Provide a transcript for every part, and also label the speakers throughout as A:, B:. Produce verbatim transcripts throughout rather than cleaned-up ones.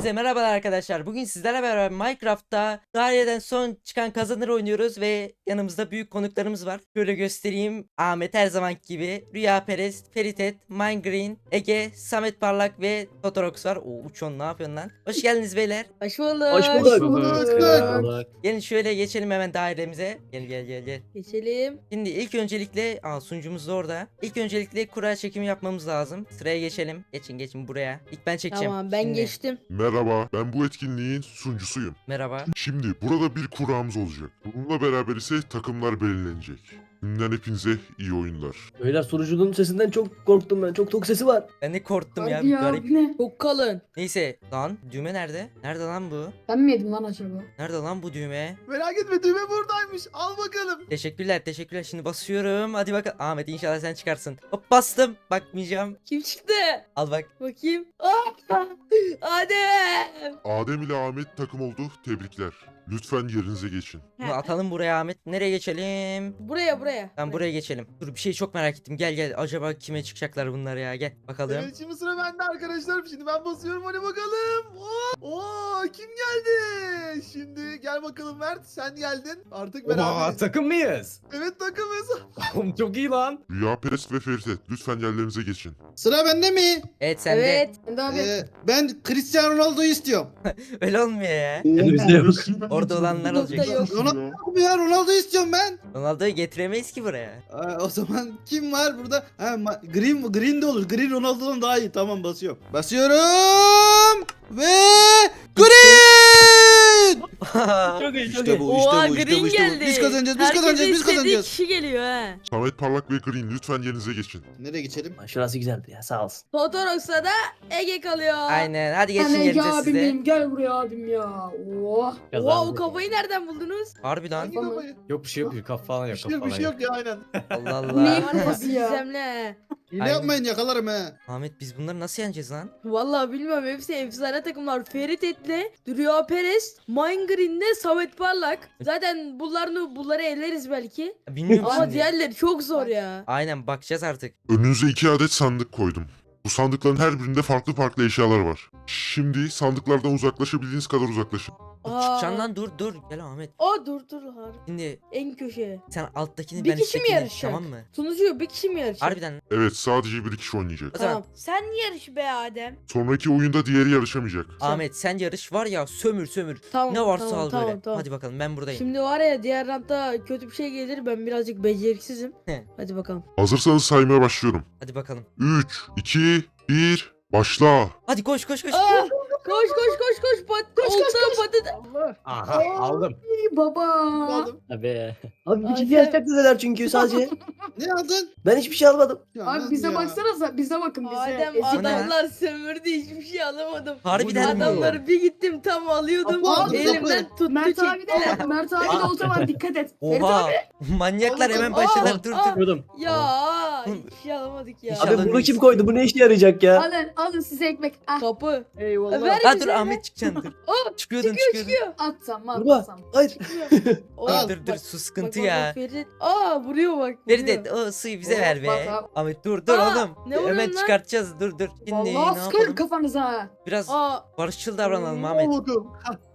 A: Hepinize merhabalar arkadaşlar. Bugün sizlerle beraber Minecraft'ta daireden son çıkan kazanır oynuyoruz ve yanımızda büyük konuklarımız var. Şöyle göstereyim. Ahmet her zaman gibi, Rüya Perez, Feritet, Minegreen, Ege, Samet Parlak ve Totorox var. Oo, Uçon ne yapıyorsun lan? Hoş geldiniz beyler.
B: Hoş bulduk.
C: Hoş bulduk.
B: bulduk.
A: Gelin şöyle geçelim hemen dairemize. Gel gel gel gel.
B: Geçelim.
A: Şimdi ilk öncelikle, aa sunucumuz da orada. İlk öncelikle kura çekimi yapmamız lazım. Sıraya geçelim. Geçin geçin buraya. İlk ben çekeceğim.
B: Tamam ben
A: Şimdi.
B: geçtim.
D: Merhaba, ben bu etkinliğin sunucusuyum.
A: Merhaba.
D: Şimdi burada bir kurağımız olacak. Bununla beraber ise takımlar belirlenecek. Şimdiden hepinize iyi oyunlar.
C: Beyler sunucunun sesinden çok korktum ben. Çok tok sesi var.
A: Ben de korktum ya.
E: Hadi
A: Bir
E: ya,
A: garip.
E: bu ne?
B: Çok kalın.
A: Neyse lan düğme nerede? Nerede lan bu?
E: Ben mi yedim lan acaba?
A: Nerede lan bu düğme?
F: Merak etme düğme buradaymış. Al bakalım.
A: Teşekkürler teşekkürler. Şimdi basıyorum. Hadi bakalım. Ahmet inşallah sen çıkarsın. Hop bastım. Bakmayacağım.
B: Kim çıktı?
A: Al bak.
B: Bakayım. Aa! Adem.
D: Adem ile Ahmet takım oldu. Tebrikler. Lütfen yerinize geçin.
A: Bunu atalım buraya Ahmet. Nereye geçelim?
B: Buraya buraya.
A: Ben buraya geçelim. Dur bir şey çok merak ettim. Gel gel. Acaba kime çıkacaklar bunlar ya? Gel bakalım.
F: Evet şimdi sıra bende arkadaşlar. Şimdi ben basıyorum hadi bakalım. Oo, Oo kim geldi? Şimdi gel bakalım Mert sen geldin. Artık
G: Oha
F: beraberiz.
G: takım mıyız?
F: Evet takımız.
G: Oğlum çok iyi lan.
D: Rüya Perest ve Feritet lütfen yerlerinize geçin.
H: Sıra bende mi?
A: Evet sen de.
B: Evet.
E: Ben de abi.
H: Ee, ben Cristiano Ronaldo'yu istiyorum.
A: Öyle olmuyor ya.
C: Bizde yok.
A: Orada olanlar
B: Nokta
A: olacak.
B: yok.
H: Ronaldo yok mu ya? Ronaldo'yu istiyorum ben.
A: Ronaldo'yu getiremeyiz ki buraya.
H: Aa, o zaman kim var burada? Ha, Ma- Green Green de olur. Green Ronaldo'dan daha iyi. Tamam basıyorum. Basıyorum ve Green!
C: Çok iyi çok
H: İşte
C: iyi.
H: bu, işte
B: Oha
H: bu, işte
B: Green
H: bu, işte bu.
B: geldi.
H: Biz kazanacağız, biz
B: Herkesin
H: kazanacağız, biz
B: istediği
H: kazanacağız.
B: kişi geliyor ha.
D: Samet Parlak ve Green lütfen yerinize geçin.
H: Nereye geçelim?
C: Şurası güzeldi ya sağ olsun.
B: Totorox'a da Ege kalıyor.
A: Aynen. Hadi
E: Ben
A: geçin
E: Ege
A: yerinize
E: abim
A: size.
E: benim. Gel buraya abim ya. Oh.
B: Oha o kafayı nereden buldunuz?
A: Harbi lan.
F: Hangi kafayı?
G: Yok bir şey yok. Bir kaf falan
F: Bir
G: yok.
F: şey
G: Kaf
F: yok bir
G: falan
F: şey
G: yok.
F: yok ya aynen.
A: Allah
E: Bu ne?
A: Allah.
B: Var ya
E: Nasıl ya?
B: gizemli.
H: Hile
A: Aynen.
H: yapmayın yakalarım he.
A: Ahmet biz bunları nasıl yeneceğiz lan?
B: Vallahi bilmiyorum hepsi efsane takımlar. Ferit Etli, Rüya Perez, Minegreen'le Samet Parlak. Zaten bunları bunları eleriz belki.
A: Bilmiyorum
B: Ama
A: şimdi.
B: diğerleri çok zor ya.
A: Aynen bakacağız artık.
D: Önünüze iki adet sandık koydum. Bu sandıkların her birinde farklı farklı eşyalar var. Şimdi sandıklardan uzaklaşabildiğiniz kadar uzaklaşın.
A: Dur,
B: Aa.
A: çıkacaksın lan dur dur. Gel Ahmet.
B: Aa dur dur harbi.
A: Şimdi
B: En köşeye.
A: sen alttakini
B: Bir
A: ben
B: kişi mi
A: üsttekini.
B: yarışacak?
A: Tamam mı?
B: Sunucu bir kişi mi yarışacak?
A: Harbiden.
D: Evet, sadece bir kişi oynayacak.
A: O zaman
B: Tamam. Sen yarış be Adem.
D: Sonraki oyunda diğeri yarışamayacak.
A: Ahmet sen yarış var ya sömür sömür.
B: Tamam.
A: Ne varsa
B: tamam,
A: al
B: tamam,
A: böyle.
B: Tamam.
A: Hadi bakalım ben buradayım.
B: Şimdi var ya diğer rantta kötü bir şey gelir ben birazcık beceriksizim.
A: He.
B: Hadi bakalım.
D: Hazırsanız saymaya başlıyorum.
A: Hadi bakalım.
D: üç, iki, bir, başla.
A: Hadi koş koş koş.
B: Aa! Koş koş koş koş pat koş koş patates.
G: Aha aldım.
E: İyi baba.
F: Aldım.
C: Abi. Abi bir
B: Ay,
C: kişi
B: sen-
C: yarışacak dediler çünkü sadece.
H: Ne aldın?
C: Ben hiçbir şey almadım.
H: Ya
E: Abi
H: nasıl
E: bize
H: ya?
E: baksanıza. Bize bakın bize.
B: Adem
E: Ezik.
A: O ne?
B: adamlar sömürdü hiçbir şey alamadım.
A: Harbiden mi?
B: Adamları bir gittim tam alıyordum.
H: Abi,
B: Elimden tuttu
E: Mert abi
B: çekti.
E: de Mert abi de olta var dikkat et. Ferit
A: Oha.
E: abi.
A: Manyaklar hemen
B: Aa,
A: başladılar. Dur
B: aa.
A: dur.
C: Biliyordum.
B: Ya hiçbir şey alamadık ya.
A: İnşallah
C: Abi bunu
A: neyse.
C: kim koydu? Bu ne işe yarayacak ya?
E: Alın alın size ekmek. Ah,
B: Kapı.
C: Eyvallah.
B: Ver
A: Ha
B: bize,
A: dur
B: ver.
A: Ahmet çıkacaksın dur.
B: Aa,
A: Çıkıyordun
B: çıkıyor
A: çıkıyordun.
B: çıkıyor.
E: atsam mı
C: Baba.
E: atmasam.
C: Hayır.
B: Aa,
A: Dur dur
B: bak,
A: su sıkıntı
B: bak,
A: ya.
B: bak, Ferit. Aa vuruyor bak.
A: Feridet
B: vuruyor.
A: o suyu bize
E: Oh,
A: ver be.
E: bak abi.
A: Ahmet dur dur
B: Aa,
A: oğlum.
B: ne vuruyorsun
A: Hemen
B: lan?
A: çıkartacağız dur dur. Şimdi ne
E: Vallahi sıkarım
A: yapalım?
E: kafanıza.
A: Biraz
B: Aa
A: barışçıl davranalım
F: Al
A: Ahmet.
F: bakalım.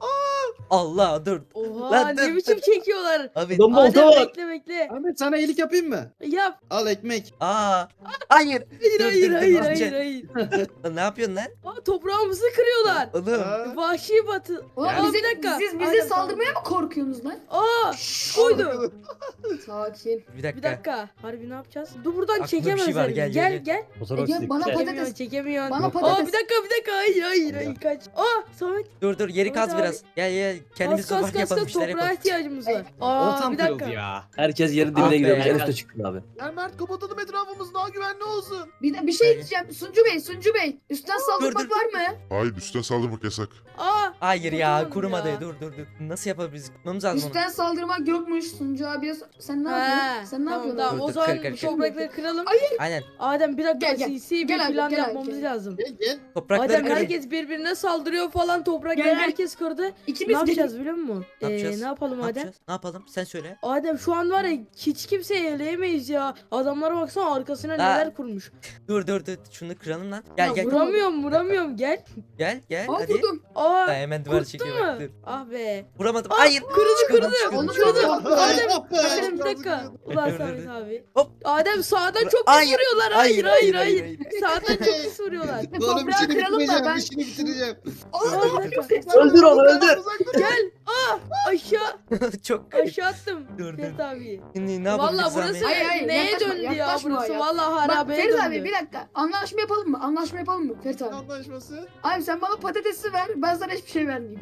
A: Allah dur.
B: oha
A: Lan dur,
B: ne biçim
A: dur.
B: çekiyorlar.
A: Ahmet.
C: Adam olta
B: Adem
C: var.
B: bekle bekle.
H: Ahmet sana iyilik yapayım mı?
B: Yap.
H: Al ekmek.
A: Aa. Hayır.
B: Hayır
A: Dur,
B: hayır
A: dur, dur,
B: hayır
A: dur.
B: hayır hayır.
A: Lan ne yapıyorsun lan?
B: Aa toprağımızı kırıyorlar.
A: Oğlum.
F: Ha?
B: Vahşi batı.
E: Ulan
B: Aa,
E: bize,
B: bir dakika.
E: siz bize
B: Aynen,
E: saldırmaya mı korkuyorsunuz lan?
B: Aa koydu.
E: Sakin.
A: Bir dakika.
B: Bir dakika. Harbi ne yapacağız? Dur buradan
A: Aklımda bir şey
B: çekemezler.
A: var,
B: bizi.
A: gel,
B: Gel
A: gel,
B: gel.
C: Fotoğraf
E: Ege, bana
C: çekti.
E: patates-
B: Çekemiyorsun çekemiyorsun.
E: Bana
B: Aa
E: patates.
B: bir dakika bir dakika. Hayır hayır hayır kaç. Aa Samet.
A: Dur dur yeri
B: Ahmet
A: kaz
B: abi.
A: biraz. Gel gel kendimiz
B: Kas kas
A: sokak
B: kas
A: yapalım
B: kas
A: bir şeyler
B: toprağa
A: yapalım.
B: ihtiyacımız var.
E: Ey,
B: Aa
G: Oltam
B: bir
G: kırıldı
B: dakika.
G: ya.
C: Herkes yerin
A: Ah
C: dibine
A: be.
C: giriyormuş. En üstte çıkıyor abi.
F: Gel Mert kapatalım etrafımız daha güvenli olsun.
E: Bir, de bir şey diyeceğim. Suncu Bey, Suncu Bey. Üstten saldırmak
A: dur.
E: var mı?
D: Hayır, üstten saldırmak yasak.
B: Aa
A: Hayır ya
B: Kurtulamadım
A: kurumadı.
B: ya.
A: Dur dur dur. Nasıl yapabiliriz? Kurmamız lazım onu.
E: Üstten saldırmak yokmuş Suncu abiye. Sen ne
B: He,
E: yapıyorsun? Sen ne
B: tamam,
E: yapıyorsun?
B: Tamam
A: Dur,
B: o
A: dur,
B: zaman
A: kır, kır,
B: bu
A: kır.
B: toprakları kıralım.
A: Aynen.
B: Adem bir dakika
E: Gel, gel.
B: sinsi bir
E: Gel abi,
B: plan
E: gel abi,
B: yapmamız
E: gel.
B: lazım.
H: Gel gel.
A: Toprakları
B: Adem
A: kırın.
B: herkes birbirine saldırıyor falan toprak
E: Gel,
B: yer
E: gel.
B: herkes kırdı. Ne
E: İkimiz
B: yapacağız biliyor musun?
A: Ne
B: Ee,
A: yapacağız?
B: ne yapalım
A: Ne
B: Adem?
A: yapacağız? Ne yapalım? Sen söyle.
B: Adem şu an var ya hiç kimseyi eleyemeyiz ya. Adamlara baksana arkasına
A: Aa.
B: neler kurmuş.
A: Dur dur dur. Şunu kıralım lan. Gel
E: Ya
A: gel.
E: vura-
B: Vuramıyorum vuramıyorum gel.
A: Gel gel.
E: Aa
A: Hadi.
E: vurdum.
B: Aa
A: Ha, hemen duvar
B: kurttun
A: çekiyor.
B: mu?
A: bak, Dur.
B: Ah be.
A: Vuramadım.
B: Aa,
A: Hayır.
B: kırıldı,
A: Çıkıyordum,
B: kırıldı.
A: çıkıyordum,
E: Onu
A: çıkıyordum.
E: kırdı.
B: Adem
H: Ah be.
B: Adem bir dakika. Ulan
A: Dur, dur,
B: Samet
A: dur.
B: abi.
A: Hop.
B: Adem sağdan
A: Dur,
B: çok pis
A: hayır,
B: vuruyorlar. Hayır hayır hayır.
A: hayır.
B: Sağdan çok pis vuruyorlar.
H: Oğlum
E: Toprağı
H: işini
E: kıralım da
H: bitireceğim.
E: ben-
H: İşini bitireceğim.
B: Aa, bir dakika.
C: Öldür onu, öldür.
B: Gel. Aa aşağı
A: Çok garip.
B: aşağı attım.
A: Dur, dur.
B: Ferit abi.
A: Şimdi ne yapabiliriz
B: Valla burası
A: Ahmet?
E: Hayır, hayır,
B: neye
E: yaklaşma,
B: döndü ya
E: yaklaşma
B: burası?
E: ya.
B: Valla
E: Bak
B: harabeye
E: Ferit
B: döndü.
E: abi bir dakika. Anlaşma yapalım mı? Anlaşma yapalım mı Ferit abi?
F: Anlaşması.
E: Abi sen bana patatesi ver. Ben sana hiçbir şey vermeyeyim.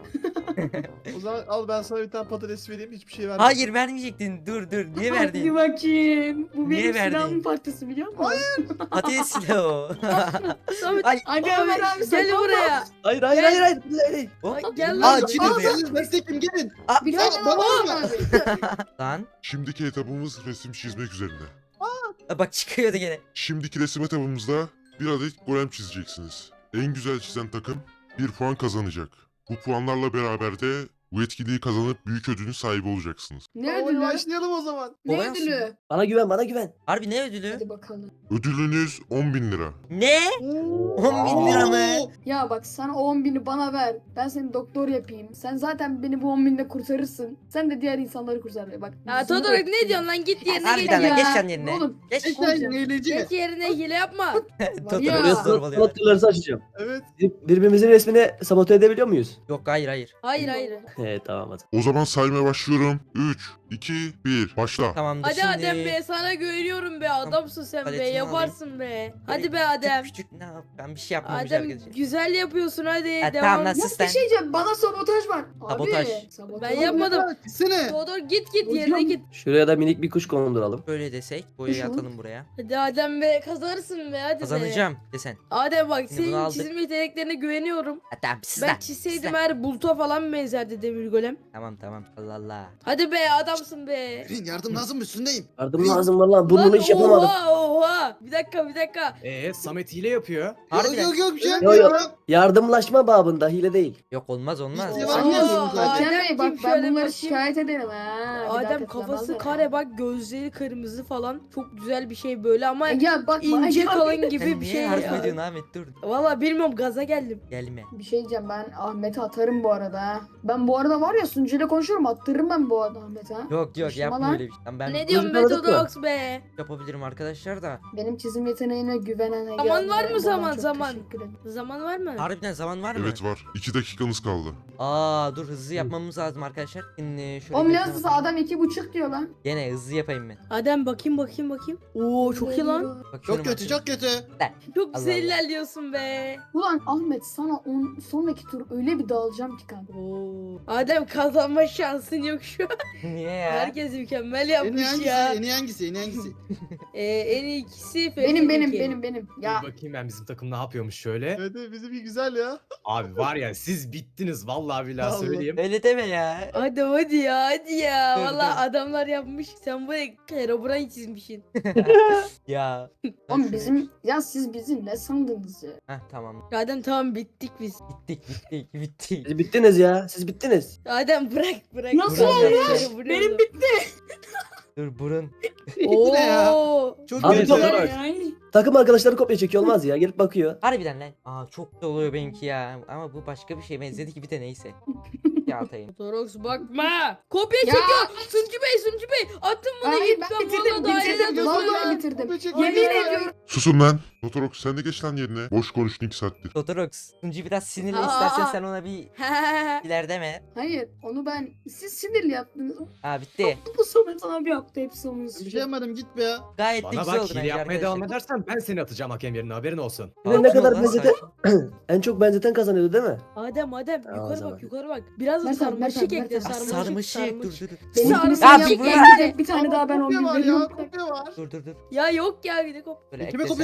F: O zaman al ben sana bir tane patates vereyim. Hiçbir şey vermem.
A: Hayır vermeyecektin. Dur dur. Niye
E: Hadi
A: verdin?
E: bakayım. Bu
A: Niye
E: benim
A: verdin?
E: silahımın parçası biliyor musun? Hayır.
A: Patates silahı o.
B: Samet
A: Ay.
E: Hadi
B: abi,
E: Ömer abi
B: gel
E: sakın
B: buraya.
C: Hayır hayır hayır hayır. hayır.
A: Hop.
B: Ay, Gel
A: Aa,
B: lan.
A: içi
H: Aa,
A: dönüyor.
H: siz desteklim gelin.
E: Bir
H: Ya,
E: tane
H: bana
E: daha
H: vurma.
E: abi.
A: Lan.
D: Şimdiki etabımız resim çizmek üzerine.
A: Aa, Bak çıkıyordu gene.
D: Şimdiki resim etabımızda bir adet golem çizeceksiniz. En güzel çizen takım bir puan kazanacak. Bu puanlarla beraber de bu etkinliği kazanıp büyük ödülün sahibi olacaksınız.
E: Ne
F: Tamam,
E: ödülü?
F: başlayalım o zaman.
E: Ne
A: Olay
E: ödülü?
C: Bana güven, bana güven.
A: Harbi ne ödülü?
E: Hadi bakalım.
D: Ödülünüz on bin lira.
A: Ne? on bin lira mı?
H: Oo.
E: Ya bak sen o on bini bana ver. Ben seni doktor yapayım. Sen zaten beni bu on binle kurtarırsın. Sen de diğer insanları kurtar. Bak.
B: Ya
E: bizim
B: Todorok
E: de-
B: ne diyorsun lan git yerine
A: Harbiden
B: geç
A: lan
B: ya.
A: geç sen yerine.
E: Oğlum.
A: Geç.
H: Sen eğlence.
B: Geç yerine hile yapma.
A: Totoro
E: Ya.
C: Buraya
A: zorbalıyor.
C: slotlarınızı açacağım.
F: Evet.
C: Bir- Birbirimizin resmini sabote edebiliyor muyuz?
A: Yok hayır hayır.
B: Hayır hayır.
C: He tamam hadi.
D: O zaman saymaya başlıyorum. üç, iki, bir. Başla.
A: Tamamdır
B: Hadi
A: şimdi.
B: Adem be sana güveniyorum be adamsın sen be
A: Paletimi
B: yaparsın be. Hadi be
A: Böyle
B: Adem.
A: Küçük küçük ne yap? Ben bir şey yapmamış
B: Adem
A: arkadaşım.
B: güzel yapıyorsun hadi
A: Ha,
B: devam.
A: tamam lan
E: Ya
A: sus
E: bir
A: sen.
E: şey diyeceğim. Bana sabotaj var. Abi.
A: Sabotaj.
E: sabotaj.
B: Ben yapmadım.
H: Gitsene.
B: Todor git git
E: Hocam.
B: yerine git.
C: Şuraya da minik bir kuş konduralım.
A: Böyle desek boyayı
E: Şu an-
A: atalım buraya.
B: Hadi Adem be kazanırsın be hadi be.
A: Kazanacağım desen.
B: Adem bak
A: Şimdi bunu
B: senin
A: aldık.
B: çizim yeteneklerine güveniyorum.
A: Ha, tamam siz
B: Ben
A: lan,
B: çizseydim
A: siz lan.
B: her buluta falan benzerdi demir golem.
A: Tamam tamam Allah Allah.
B: Hadi be adamsın be.
H: Green yardım lazım üstündeyim.
C: Yardım lazım valla. Burnunu
B: Lan
C: hiç yapamadım.
B: Oha oha. Bir dakika bir dakika.
G: Eee Samet hile yapıyor.
H: Yok
A: Harbiden.
H: yok yok bir şey
C: Yok
H: yapmıyorum.
C: yok. Yardımlaşma babında hile değil.
A: Yok olmaz olmaz.
H: Biz
B: Oo,
H: devam ediyoruz zaten.
E: Hakem Bey
B: Adem
E: bak
B: kim şöyle
E: ben bunları
B: bakayım.
E: şikayet ederim ha. Bir daha
B: Adem
E: tekrarlamaz
B: kafası
E: ya.
B: kare bak gözleri kırmızı falan. Çok güzel bir şey böyle ama
E: Ya bak
B: ince
E: bak-
B: kalın gibi
A: Sen
B: bir
A: niye
B: şey
A: yardım
B: ya.
A: ediyorsun Ahmet dur.
B: Valla bilmiyorum gaza geldim.
A: Gelme.
E: Bir şey diyeceğim ben Ahmet'e atarım bu arada ha. Ben bu arada var ya sunucuyla konuşuyorum attırırım ben bu arada Ahmet'e ha.
A: Yok yok
E: Taşıma
A: yapma
E: lan.
A: öyle bir şey. Tamam, ben
B: Ne diyorsun
C: tanıdık mı?
B: Metodox be?
A: yapabilirim arkadaşlar da.
E: Benim çizim yeteneğine güvenen Ege
B: Zaman
E: abime
B: var mı
E: buradan
B: zaman,
E: çok
B: zaman?
E: teşekkür ederim.
B: Zaman var mı?
A: Harbiden zaman var mı?
D: Evet var. iki dakikanız kaldı.
A: Aa dur hızlı yapmamız lazım arkadaşlar. Şimdi şöyle
E: Oğlum
A: bir-
E: ne hızlısı adam iki buçuk diyor lan.
A: Gene hızlı yapayım ben.
B: Adem bakayım bakayım bakayım. Oo çok iyi lan.
A: Bakıyorum,
H: Çok kötü
A: bakıyorum.
H: çok kötü.
B: Çok
A: Allah
B: güzel
A: Allah.
B: ilerliyorsun be.
E: Ulan Ahmet sana on, sonraki tur öyle bir dağılacağım ki kanka.
B: Oo. Adem kazanma şansın yok şu an.
A: Niye ya?
B: Herkes mükemmel
H: En iyi
B: yapmış
H: hangisi?
B: ya.
H: En iyi hangisi? En iyi hangisi?
B: Ee, en iyi ikisi
E: Benim benim
B: Ferit'inki.
E: benim benim. Ya
G: Dur bakayım ben bizim takım ne yapıyormuş şöyle.
F: Evet evet bizimki güzel ya.
G: Abi var ya siz bittiniz vallahi billahi
F: Vallahi.
G: söyleyeyim.
A: Öyle deme ya.
B: Hadi hadi ya hadi ya.
A: Dur,
B: Valla
A: dur.
B: adamlar yapmış. Sen böyle Herobrine çizmişsin.
A: Ya.
E: oğlum bizim ya siz bizi ne sandınız ya?
A: Heh tamam.
B: Adem tamam bittik biz.
A: Bittik bittik bittik.
C: Siz bittiniz ya. Siz bittiniz.
B: Adem bırak bırak.
E: Nasıl
B: Bırak
A: olmuş?
B: Herobrine
E: Benim
B: oğlum.
A: Dur burun.
H: Bu ne ya?
B: Oo.
H: Çok
C: Abi,
H: kötü.
C: Todorok.
E: Yani.
C: Takım arkadaşları kopya çekiyor olmaz ya. Gelip bakıyor.
A: Harbiden lan. Aa çok güzel oluyor benimki ya. Ama bu başka bir şey benzedi gibi de neyse. Ya atayım.
B: Torox bakma. Kopya
E: Ya.
B: çekiyor. Suncu Bey Suncu Bey. Attım bunu
E: Hayır
B: lütfen.
E: ben bitirdim
B: Valla
E: bitirdim.
B: daireden
E: Vallahi
B: tutun.
E: bitirdim.
F: Kopya çek-
E: Yemin
F: Hayır,
E: ediyorum.
D: Susun lan. Totorox sen de geç lan yerine. Boş konuştun iki saattir.
A: Totorox. Tuncu biraz sinirli
B: Aa.
A: istersen sen ona bir iler deme.
E: Hayır onu ben siz sinirli yaptınız.
A: Aa bitti.
E: Bu Samet abi yaptı hepsi onun
H: Bir şey
E: suçu.
H: yapmadım git be ya.
A: Gayet de
G: Bana
A: güzel
G: bak
A: oldu
G: hile
A: bence
G: yapmaya devam
A: arkadaşlar.
G: edersen ben seni atacağım hakem yerine haberin olsun.
C: Bir de ne
A: Sakin ol
C: kadar
A: lan,
C: benzeten
A: sakin.
C: en çok benzeten kazanıyordu değil mi?
B: Adem Adem
C: Aa, o
B: yukarı
C: zaman.
B: bak yukarı bak. Biraz da
E: Mert abi,
B: sarmaşık
E: Mert abi,
B: ekle
E: Mert abi.
A: Aa,
B: sarmaşık
A: sarmaşık dur dur dur.
E: Benim
B: Sarmaşık.
E: kimisi
A: Ya bir
E: yapacak,
A: bırak.
E: yapacak. Bir tane daha ben on
F: Kopya
E: bin
F: var ya.
E: veriyorum.
F: Kopya var.
A: Dur dur dur.
B: Ya yok ya bir de kop.
A: Böyle
H: Kime
A: eklesem.
H: kopya veriyorsun lan?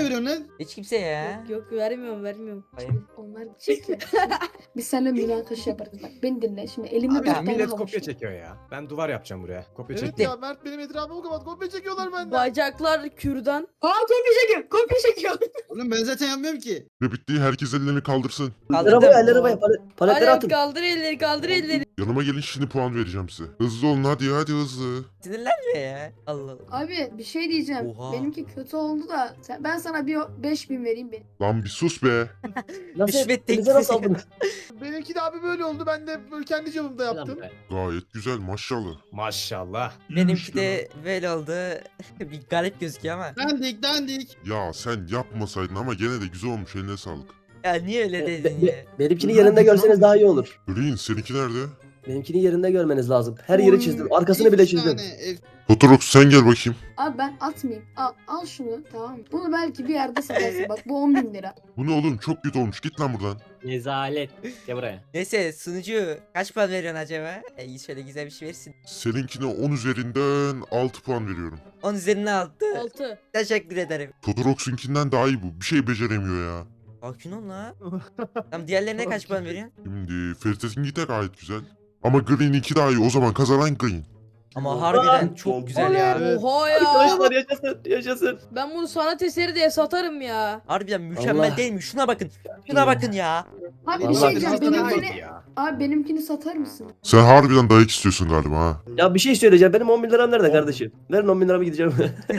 A: Hiç kimse ya.
B: Yok, yok vermiyorum vermiyorum.
A: Hayır.
E: Onlar çekiyor. Biz seninle münakaşa yaparız bak. Beni dinle. Şimdi elimde
G: Abi
E: bir tane
G: millet
E: havuç
G: kopya
E: var.
G: çekiyor ya. Ben duvar yapacağım buraya. Kopya
F: Evet
G: çekiyor.
F: ya Mert benim etrafımı kapat. Kopya çekiyorlar benden.
B: Bacaklar kürdan.
E: Aa kopya çekiyor. Kopya çekiyor.
H: Oğlum ben zaten yapmıyorum ki.
D: Ve bittiği herkes ellerini kaldırsın.
C: Elleri arabaya elleri arabaya palet, paletleri
B: Hadi
C: atın.
B: kaldır elleri kaldır elleri.
D: Yanıma gelin şimdi puan vereceğim size. Hızlı olun hadi hadi hızlı.
A: Sinirlenme ya. Allah Allah.
E: Abi bir şey diyeceğim.
A: Oha.
E: Benimki kötü oldu da sen, ben sana bir beş bin vereyim benim.
D: Lan bir sus be.
C: Nasıl?
A: Rüşvet
C: Elinize nasıl
A: teklifi.
C: aldınız?
F: Benimki de abi böyle oldu. Ben de böyle kendi cebimde yaptım.
D: Gayet güzel maşallah.
G: Maşallah.
A: Benimki de böyle oldu. Bir garip gözüküyor ama.
H: Dandik dandik.
D: Ya sen yapmasaydın ama gene de güzel olmuş eline sağlık.
A: Ya niye öyle
C: Be-
A: dedin
C: be-
A: ya?
C: benimkini yerinde görseniz daha iyi olur.
D: Green seninki nerede?
C: Benimkini yerinde görmeniz lazım. Her yeri
E: Oy,
C: çizdim. Arkasını bile çizdim.
H: Efsane, ef-
D: Totorox sen gel bakayım.
E: Abi ben atmayayım. Al, al şunu tamam mı? Bunu belki bir yerde satarsın. Bak bu on bin lira.
D: Bu ne oğlum çok kötü olmuş git lan buradan.
I: Rezalet. Gel buraya.
A: Neyse sunucu kaç puan veriyorsun acaba? E, şöyle güzel bir şey versin.
D: Seninkine on üzerinden altı puan veriyorum.
A: on üzerine altı.
B: Altı.
A: Teşekkür ederim.
D: Totorox'unkinden daha iyi bu. Bir şey beceremiyor ya.
A: Sakin ol la. Tamam diğerlerine kaç puan veriyorsun?
D: Şimdi Ferit'inki de gayet güzel. Ama Green'inki daha iyi. O zaman kazanan Green.
A: Ama harbiden çok güzel ya.
F: Evet.
B: Oha ya.
C: Arkadaşlar yaşasın yaşasın.
B: Ben bunu sanat eseri diye satarım ya.
A: Harbiden mükemmel
C: Allah.
A: değil mi? Şuna bakın. Şuna bakın ya.
E: Abi bir
C: Vallahi
E: şey diyeceğim.
H: biraz daha
E: Benimkini,
G: iyi ya.
E: abi benimkini satar mısın?
D: Sen harbiden dayak istiyorsun galiba ha.
C: Ya bir şey söyleyeceğim. Benim on bin liram nerede kardeşim? Verin on bin liramı gideceğim.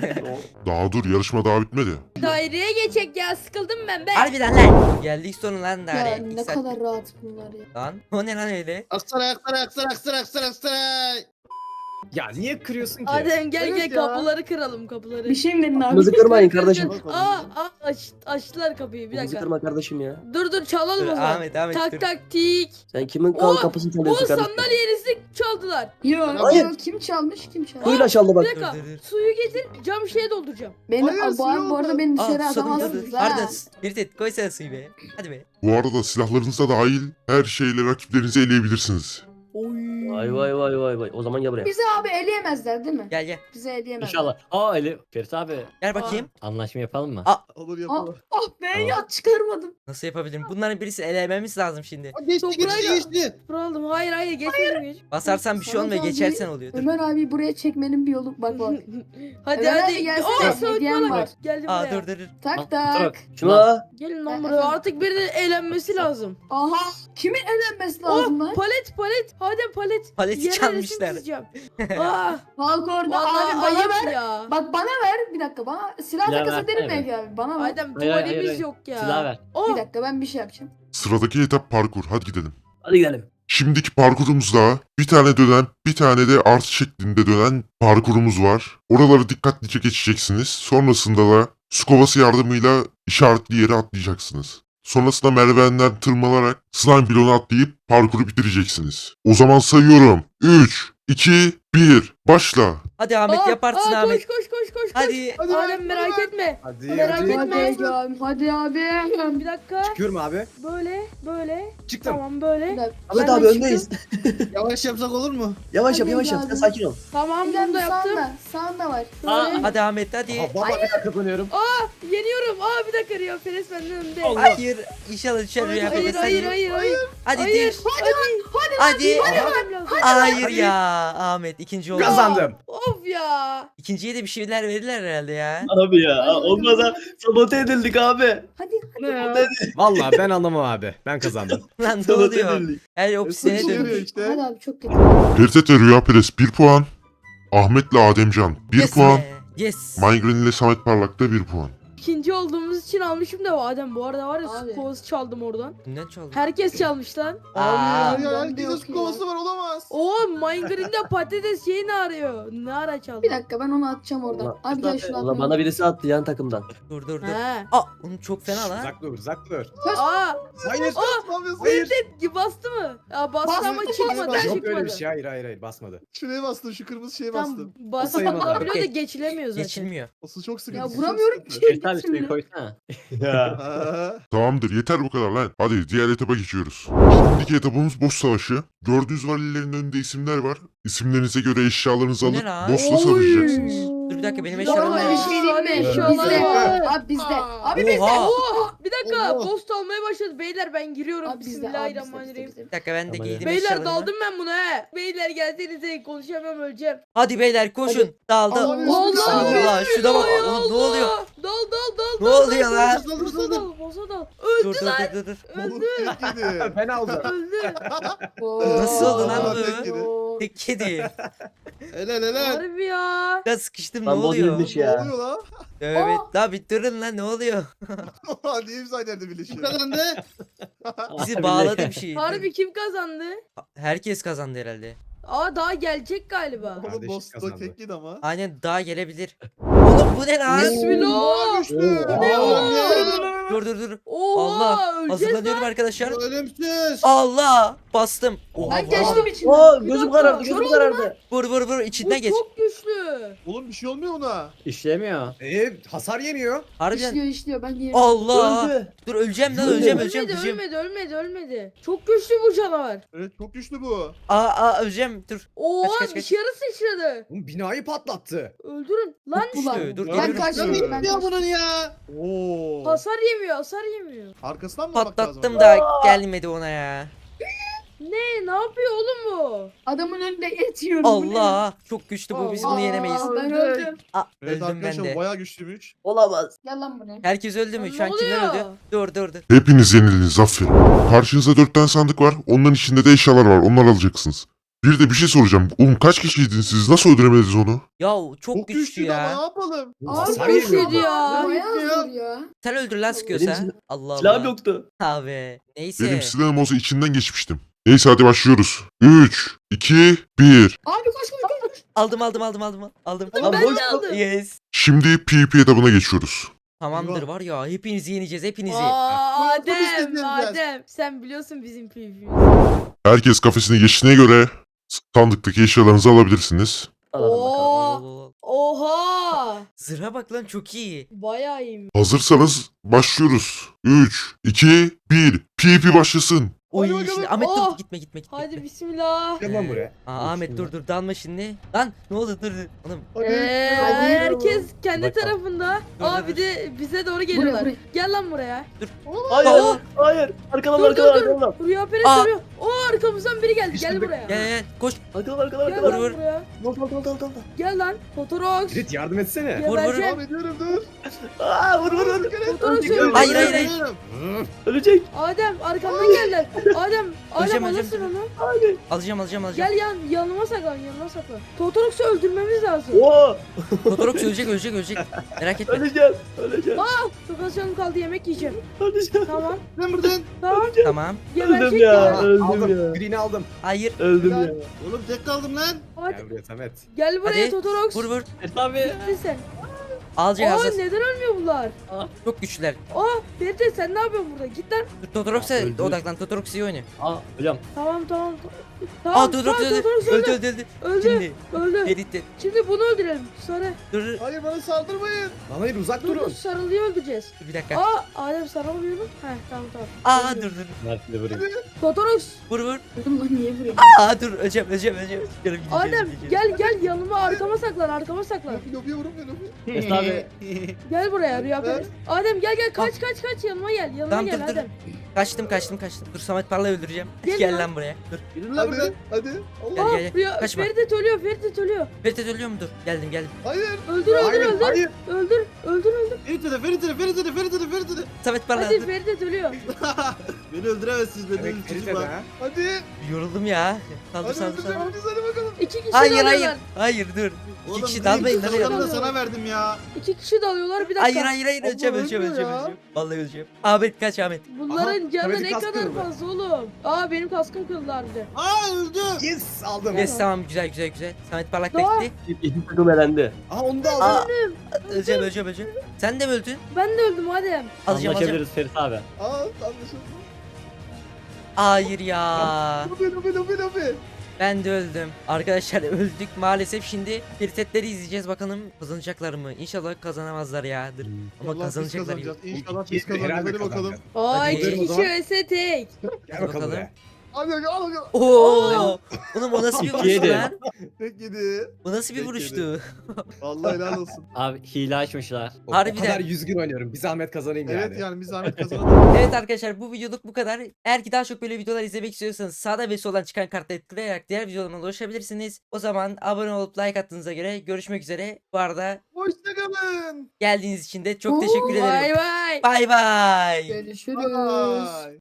D: Daha dur yarışma daha bitmedi.
B: Daireye geçecek ya sıkıldım ben be.
A: Harbiden lan. Geldik sonu lan
E: Ya
A: daha.
E: ne kadar rahat bunlar ya.
A: Lan o ne lan öyle?
H: Aksaray aksaray aksaray aksaray aksaray aksaray.
G: Ya niye kırıyorsun ki?
B: Adem gel
F: Evet
B: gel
F: ya.
B: kapıları kıralım kapıları.
E: Bir şey mi dedin abi?
C: Kırmızı kırmayın kardeşim.
B: Aa, aa aç, açtılar kapıyı bir
C: Bizi
B: dakika.
C: kırma kardeşim ya.
B: Dur dur çalalım
A: Dur,
B: o zaman.
A: Ahmet Ahmet
B: Tak
A: dur.
B: tak tik.
C: Sen kimin
B: Oo,
C: kal kapısını
B: O
C: çalıyorsun kardeşim?
B: sandalyenizi çaldılar.
E: Yok
C: Hayır.
E: yok kim çalmış kim çalmış?
C: Suyla çaldı
B: Bir
C: bak.
B: dakika.
A: Dur, dur, dur.
B: Suyu getir cam şişeye dolduracağım.
E: Beni,
F: Hayır,
E: Aa, bu,
F: suyu
E: bu arada
F: oldu.
E: beni
A: Aa,
E: dışarı
A: susadım, dur, dur.
E: atamazsınız ha.
A: Pardon. Bir tek koysana suyu be. Hadi be.
D: Bu arada silahlarınıza dahil her şeyle rakiplerinizi eleyebilirsiniz.
B: Oy.
C: Vay vay vay vay vay. O zaman gel buraya.
E: Bizi abi eleyemezler değil mi?
A: Gel gel.
E: Bizi eleyemezler.
I: İnşallah. Aa Ali. Ferit abi.
A: Gel bakayım.
I: Anlaşma yapalım mı?
A: Aa.
F: Olur
E: Ah,
F: yapalım.
E: ah be ya çıkarmadım.
A: Nasıl yapabilirim? Bunların birisi elememiz lazım şimdi.
H: Aa, Geçti geçti
B: Toprağıyla-
H: geçti.
B: Aldım. Hayır hayır geçmedim geç.
A: Basarsan bir şey
E: Sana
A: olmuyor.
E: da
A: Geçersen
E: bir-
A: oluyor. Dur.
E: Ömer abi buraya çekmenin bir yolu bak bak.
B: hadi
E: Ömer
B: hadi.
E: abi gelsene,
B: Aa Samet
E: hediyem
B: Balak.
E: var.
B: Geldim
A: Aa
B: buraya.
A: dur dur dur.
E: Tak
I: Al,
E: tak.
C: Şunu al.
B: Gelin lan
E: Ben-
B: buraya. Artık birinin eğlenmesi lazım.
E: Aha. Kimin elenmesi lazım
B: Oh
E: lan?
B: palet palet. Hadi palet.
A: Paleti
B: Yere resim
A: çalmışlar.
B: çizeceğim. Aa,
E: Halk orada
B: vallahi
E: abi bana
B: ayıp
E: ver.
B: ya.
E: Bak bana ver bir dakika bana silah
I: Silah
E: takas edelim
I: versene
E: belki abi bana ver.
B: Adem
I: Hayır, hayır,
B: tuvalimiz
I: hayır.
B: yok ya.
I: Silah ver.
B: Oh.
E: Bir dakika ben bir şey yapacağım.
D: Sıradaki etap parkur. Hadi gidelim.
C: Hadi gidelim.
D: Şimdiki parkurumuzda bir tane dönen, bir tane de artı şeklinde dönen parkurumuz var. Oraları dikkatlice geçeceksiniz. Sonrasında da su kovası yardımıyla işaretli yere atlayacaksınız. Sonrasında merdivenden tırmanarak slime bloğuna atlayıp parkuru bitireceksiniz. O zaman sayıyorum. üç, iki, bir, başla.
A: Hadi Ahmet
B: Aa,
A: yaparsın
B: aa,
A: Ahmet.
B: Koş koş koş koş.
A: Hadi.
F: Hadi
B: Adem
F: ver,
B: merak
F: hadi ver.
B: etme.
G: Hadi
B: Merak
G: hadi.
B: etme.
E: Hadi abi hadi abi.
B: Bir dakika.
G: Çıkıyorum abi.
B: Böyle böyle.
G: Çıktım.
B: Tamam
E: Bir
B: böyle.
E: dakika.
C: Ahmet
E: Ben
C: abi
E: de
C: öndeyiz.
H: Yavaş yapsak olur mu?
C: Yavaş yap
E: Hadi
C: yavaş yap.
E: abi.
C: Sen sakin ol.
B: Tamam
E: çıktım.
B: bunu da yaptım.
E: Sağında, sağında var.
I: Aa,
E: Böyle.
A: Hadi Ahmet hadi.
G: Aha baba kazanıyorum.
B: Yeniyorum. Aa bir dakika Rio Perez benden önde.
G: Allah.
A: Hayır. İnşallah düşer
B: Hayır
A: rüya
B: hayır
A: Perez,
B: hayır
A: hadi.
B: hayır hayır.
A: Hadi
B: Hayır.
A: düş.
B: Hadi.
A: Hadi.
B: Yenemem lazım.
A: Hayır
G: Hadi.
A: ya Ahmet ikinci oldu.
G: Kazandım.
B: Of ya.
A: İkinciye de bir şeyler verirler herhalde ya.
C: Abi ya
E: Hadi bakalım.
C: olmaz ha. Sabote edildik abi.
E: Hadi.
B: Ne ya?
G: Vallahi ben anlamam abi. Ben kazandım.
A: Lan ne
C: Sabote
A: oluyor?
C: edildik.
A: Her opsiyone
F: Suç oluyor
A: dönmüş.
F: işte.
E: Hadi abi çok kötü.
D: Ferit ve Rüya Perez bir puan. Ahmet'le Ademcan bir
A: Yes
D: puan.
A: be, Yes.
D: Migraine ile Samet Parlak'ta bir puan.
B: İkinci olduğumuz için almışım da Adem bu arada var ya
E: Abi.
B: su kovası çaldım oradan.
A: Kimden çaldın?
B: Herkes çalmış lan.
A: Aa.
F: Abi ya
E: Ben de
F: herkesin
E: yok
F: su
E: ya.
F: kovası var olamaz.
B: Oo Minegreen'de patates şeyi ne arıyor? Ne ara çaldı?
E: Bir dakika ben onu atacağım oradan.
C: Ulan,
E: Abi gel şunu
C: ulan
E: atmayalım.
C: bana birisi attı yan takımdan.
A: Dur dur dur.
B: He.
A: Aa onu çok fena lan.
G: Uzak dur uzak dur.
B: Aa
G: Hayır.
F: Ne yapıyorsun?
G: Hayır.
B: Ferit bastı mı? Ya bastı
E: Bastı,
B: ama
E: bastı,
B: çıkmadı
F: bastı.
G: Yok
B: çıkmadı.
G: öyle bir şey. Hayır hayır hayır basmadı.
F: Şuraya bastın şu kırmızı şeye bastın.
B: Tam bastı
G: sayılmaz abi.
B: biliyor da geçilemiyor zaten.
A: Geçilmiyor.
F: Asıl çok sıkıntı.
E: Ya
F: çok
E: vuramıyorum
F: sıkıntı.
E: ki.
I: Ferit abi suyu koysana.
F: Aa,
D: Tamamdır yeter bu kadar lan. Hadi diğer etaba geçiyoruz. Şimdiki etapımız boss savaşı. Gördüğünüz valilerin önünde isimler var. İsimlerinize göre eşyalarınızı
A: Bu ne
D: alıp
A: lan?
D: boss'la savaşacaksınız.
E: Oo.
A: Dur bir dakika benim
B: Ya,
A: eşyalarım
E: Ama
B: Aa,
E: bir
A: nerede?
E: şey diyeyim mi?
B: eşyalar
E: Bizde.
B: var.
E: Abi bizde.
B: Aa.
E: Abi bizde.
A: Oha.
B: Oha, bir dakika
F: Allah.
B: post almaya başladı beyler, ben giriyorum.
E: Abi bizde. Abi bizde.
B: Bismillahirrahmanirrahim.
E: bizde, bizde.
A: Bir dakika ben de
I: Tamam,
A: giydim
B: Beyler
A: eşyalarımı.
B: daldım ben buna he. Beyler gelsenize, konuşamam, öleceğim.
A: Hadi beyler koşun. Daldım.
F: Abi,
B: Allah
A: Allah şuna bak. Oğlum ne oluyor?
B: Dal dal dal
A: Ne
B: dal.
A: oluyor lan?
B: Boza dal, boza dal.
A: Dur
B: Öldü
A: dur
B: lan,
A: dur dur. dur.
F: Oğlum tek yedi.
G: Ben aldım.
B: öldü.
A: Nasıl oldu lan
F: Aa,
A: bu?
F: tek yedi.
A: Tek kedi.
H: Helal helal.
B: Harbi ya.
A: Ya sıkıştım ne
C: Lan
A: oluyor?
C: bozulmuş
F: Ne
C: ya.
F: oluyor lan?
A: Evet. La bir durun lan ne oluyor?
F: Niye imza nerede
H: Kim
F: birleşiyor?
H: kazandı?
A: Bizi bağladı bir şey.
B: Harbi kim kazandı?
A: Herkes kazandı herhalde.
B: Aa daha gelecek galiba.
F: Oğlum
G: Kardeşim
F: boss da
G: kazandı.
F: tek yedi ama.
A: Aynen daha gelebilir. Oğlum bu ne lan?
B: Bismillah.
F: Güçlü.
B: Bu ne oğlum?
A: Dur dur dur.
B: Oha,
A: Allah.
B: öleceğiz
A: Hazırlanıyorum arkadaşlar.
H: Ölümsüz.
A: Allah. Bastım. Oha,
E: Ben
A: vur.
E: geçtim içinden.
C: Oo
B: Bir
C: gözüm
B: dakika,
C: karardı
B: kör
C: gözüm
B: oldum
C: karardı.
A: Vur vur vur
B: Bu
A: içinden geç.
B: çok güçlü.
F: Oğlum bir şey olmuyor ona.
I: İşlemiyor.
G: Ee, hasar yemiyor.
A: Harbiden.
E: İşliyor işliyor ben yerim.
A: Allah.
C: Öldü.
A: Dur öleceğim lan
C: Öldü.
A: öleceğim öleceğim
B: Ölmedi,
A: öleceğim.
B: ölmedi, ölmedi, ölmedi. Çok güçlü bu canavar.
F: Evet çok güçlü bu.
A: Aa aa öleceğim dur.
B: Oha,
A: Kaç, kaç, kaç.
B: dışarı sıçradı.
G: Oğlum binayı patlattı.
B: Öldürün. Lan
E: Ulan.
A: Dur, dur,
E: Ben
A: geliyorum.
E: kaçtım.
F: Dur.
E: Ben
H: Ya
E: kaçtım.
H: bunun ya.
F: Oo.
B: hasar yemiyor, hasar yemiyor.
F: Arkasından mı almak lazım?
A: Patlattım da gelmedi ona ya.
B: Ne, ne yapıyor oğlum bu?
E: Adamın önünde et yiyorum. bu ne?
A: Allah. Çok güçlü bu biz bunu
B: Aa,
A: yenemeyiz.
E: Ben öldüm.
A: Aa,
F: Evet
A: öldüm ben
F: arkadaşlar
A: de.
F: bayağı güçlüymüş.
C: Olamaz.
E: Gel lan buraya.
A: Herkes öldü mü?
B: Lan
A: Şu an
B: ne
A: kimler
B: oluyor?
A: öldü? Dur dur dur.
D: Hepiniz yenildiniz aferin. Karşınızda dört tane sandık var. Onların içinde de eşyalar var. Onları alacaksınız. Bir de bir şey soracağım. Oğlum kaç kişiydiniz siz? Nasıl öldüremediniz onu?
A: Ya çok,
F: Çok
A: güçlü
F: güçlü ama ne
A: ya.
F: yapalım?
G: Oğlum,
E: Abi
G: hasar
B: Çok
G: yemiyor.
B: güçlüydü ya.
E: Bayağı
H: ya.
E: zor ya.
A: Sen öldür lan sıkıyorsa.
C: Benim
A: Allah
C: Silahım
A: Allah.
C: yoktu.
A: Abi. Neyse.
D: Benim silahım olsa içinden geçmiştim. Neyse hadi başlıyoruz. üç, iki, bir.
E: Abi koş koş koş. koş.
A: Aldım aldım aldım aldım. Aldım.
B: Lan ben de aldım.
A: Yes.
D: Şimdi PvP etabına geçiyoruz.
A: Tamamdır
F: Eyvah.
A: var ya hepinizi yeneceğiz hepinizi.
B: Aa,
F: Bunu
B: Adem,
F: istediğimiz
B: Adem. Sen biliyorsun bizim P V'yi.
D: Herkes kafesine geçtiğine göre sandıktaki eşyalarınızı alabilirsiniz.
C: Alalım bakalım.
B: Oo, oha.
A: Zırha bak lan çok iyi.
B: Bayağı iyiymiş.
D: Hazırsanız başlıyoruz. üç, iki, bir. PvP başlasın.
A: Oy
F: Hadi bakalım.
A: şimdi Ahmet dur
B: Oh.
A: gitme gitme gitme.
B: Hadi bismillah.
G: Gel lan buraya.
A: Aa, Ahmet dur dur dalma şimdi. Lan ne oldu dur dur. Oğlum
F: Hadi.
B: Ee,
E: Hadi.
B: herkes kendi
I: Bakalım.
B: tarafında.
A: Dur,
B: Aa
A: dur,
B: bir de bize doğru
E: Buraya
B: geliyorlar.
E: buraya.
B: Gel lan buraya.
C: Hayır.
A: Aa.
C: Hayır. Arkadan
B: Dur dur
C: arkadan
B: dur.
C: arkadan.
B: Rüya Perez
A: Aa.
B: duruyor. Oo arkamızdan biri geldi. Gel
G: İşte
B: buraya.
A: gel gel gel koş.
C: Arkadan arkadan
B: Gel
C: arkadan.
A: Vur,
B: lan
A: vur.
B: buraya.
C: Dal dal dal dal dal.
B: Gel lan. Totorox.
G: Ferit yardım etsene.
A: Vur, vur.
B: Gebereceğim.
F: Devam ediyorum dur.
C: Aa vur vur vur.
B: Totorox
C: Ölecek,
B: öldü.
A: Hayır, hayır, hayır.
C: Ölecek.
B: Adem arkamdan geldiler. Adem. Adem
A: Öleceğim,
B: alırsın
A: öleceğim.
B: onu.
C: Hadi.
A: Alacağım alacağım alacağım.
B: Gel yan yanıma saklan yanıma saklan. Totorox'u öldürmemiz lazım.
C: Oo.
A: Totorox ölecek ölecek ölecek. Merak etme.
C: Öleceğim. Öleceğim.
B: Çok az canım kaldı, yemek yiyeceğim.
C: Öleceğim.
B: Tamam.
H: Ben buradan.
B: Tamam.
A: Tamam.
C: Öldüm
B: Geberecek
C: ya.
B: ya.
C: Öldüm
G: Aldım.
C: ya.
G: Green'i aldım.
A: Hayır.
C: Öldüm ya.
H: Oğlum tek kaldım lan.
B: Hadi.
G: Gel buraya Samet.
B: Gel buraya
A: Hadi.
B: Totorox.
A: Vur vur.
I: Ferit abi.
B: Gittin sen.
A: Alacak
B: Aa
A: hazır.
B: neden ölmüyor bunlar?
A: Çok güçlüler.
B: Aa Ferit sen ne yapıyorsun burada? Git lan.
A: Dur, Totorox'a
G: Öldü.
A: odaklan. Totorox iyi oynuyor.
I: Aa hocam.
B: Tamam tamam. Tamam.
A: Aa Totorox
B: tamam,
A: öldü.
B: Totorox
A: Öldü
B: öldü.
A: öldü öldü.
B: Öldü.
A: Şimdi.
B: Öldü.
A: Ferit de.
B: Şimdi bunu öldürelim. Sarı.
A: Dur dur.
F: Hayır bana saldırmayın.
G: Lan hayır uzak
B: Dur dur
G: durun.
B: sarılıyı öldüreceğiz.
A: Dur bir dakika.
B: Aa Adem sarılmıyor mu? Heh tamam tamam.
A: Aa dur
B: Öldü.
A: dur.
I: Mert de vurayım.
B: Totorox.
A: Vur vur.
E: Dedim lan niye buraya?
A: Aa dur öleceğim öleceğim öleceğim. Canım gideceğim,
B: Adem
A: gideceğim.
B: gel gel yanıma arkama saklan arkama saklan.
F: Lobi lobiye vurun beni lobi.
I: Ferit abi.
B: Gel buraya Rüya Perez. Adem gel gel kaç kaç kaç yanıma gel yanıma
A: Tamam
B: gel
A: dur dur.
B: Adem.
A: Kaçtım kaçtım kaçtım. Dur Samet Parla'yı öldüreceğim.
B: Gel
A: Gel
B: lan.
A: lan buraya. Dur.
H: Yürü lan buradan.
F: Hadi hadi. Allah.
A: Gel
B: Aa
A: gel gel.
B: Rüya
A: Kaçma.
B: Ferit ölüyor Ferit ölüyor.
A: Ferit ölüyor mu? Dur. Geldim geldim.
F: Hayır.
B: Öldür öldür
G: Hayır
B: öldür.
G: hayır.
B: Öldür öldür öldür.
H: Ferit'e Ferit'e Ferit'e Ferit'e Ferit'e.
A: Samet Parla
B: Hadi
A: dur.
B: Ferit ölüyor.
H: Beni öldüremezsiniz beni
G: Evet
H: öldürün
G: Ferit'e
H: çocuklar.
G: de ha.
F: Hadi.
A: Yoruldum ya. Saldır
F: Hadi
A: saldır
F: öldüreceğim
A: saldır.
F: bizi hadi bakalım.
B: İki kişi
A: Hayır hayır.
B: dalıyorlar.
A: Hayır dur. İki
H: Oğlum,
A: kişi
H: Green,
A: dalmayın lan.
H: kazananı da
A: ya.
H: sana verdim ya.
B: İki kişi dalıyorlar bir dakika.
A: Hayır hayır hayır
F: Allah
A: öleceğim öleceğim
F: ölmüyor
A: öleceğim
F: ya.
A: öleceğim. Vallahi öleceğim. Ahmet kaç Ahmet.
B: Bunların
G: Aha,
B: canı
G: Samet'in
B: ne
G: kaskı
B: kadar
G: kırıldı.
B: fazla oğlum. Aa benim kaskım kırıldı harbiden.
H: Aa öldü.
G: Yes aldım.
A: Yes tamam güzel güzel güzel. Samet Parlak
B: Doğa.
A: bekti.
C: İki takım elendi.
G: Aha onu da
A: Aa,
G: aldım.
A: öleceğim öleceğim öleceğim. Sen de mi öldün?
B: Ben de öldüm Adem.
A: Alacağım alacağım.
I: Anlaşabiliriz Ferit abi.
F: Aa anlaşıldı.
A: Hayır ya.
F: Lobi lobi lobi lobi.
A: Ben de öldüm. Arkadaşlar öldük maalesef. Şimdi firsetleri izleyeceğiz. Bakalım kazanacaklar mı? İnşallah kazanamazlar ya. Dur. Ama
F: İnşallah biz
A: kazanacaklar.
F: kazanacağız. İnşallah
G: İki-
F: biz kazanacağız.
G: herhalde
F: Hadi bakalım.
G: kazanacağız.
B: Aa
A: Hadi.
B: iki kişi
G: O zaman-
B: vs tek.
G: Gel bakalım
A: Bakalım.
G: buraya.
F: Hadi bakalım al bakalım.
A: Oo! Oğlum o nasıl bir
I: İkiye
A: vuruştu
I: de.
A: lan?
F: Tek yedi.
A: O nasıl bir
F: Peki,
A: vuruştu?
F: Vallahi helal olsun.
I: Abi hile açmışlar.
G: O, o
A: Harbiden.
G: kadar yüz gün oynuyorum. Bir zahmet kazanayım yani.
F: Evet yani bir zahmet kazanalım.
A: Evet arkadaşlar bu videoluk bu kadar. Eğer ki daha çok böyle videolar izlemek istiyorsanız sağda ve soldan çıkan kartları tıklayarak diğer videolarıma ulaşabilirsiniz. O zaman abone olup like attığınıza göre görüşmek üzere. Bu arada
F: Hoşçakalın.
A: geldiğiniz için de çok teşekkür
B: Vay
A: ederim.
B: vay.
A: Bay bay.
E: Görüşürüz.
F: Bye.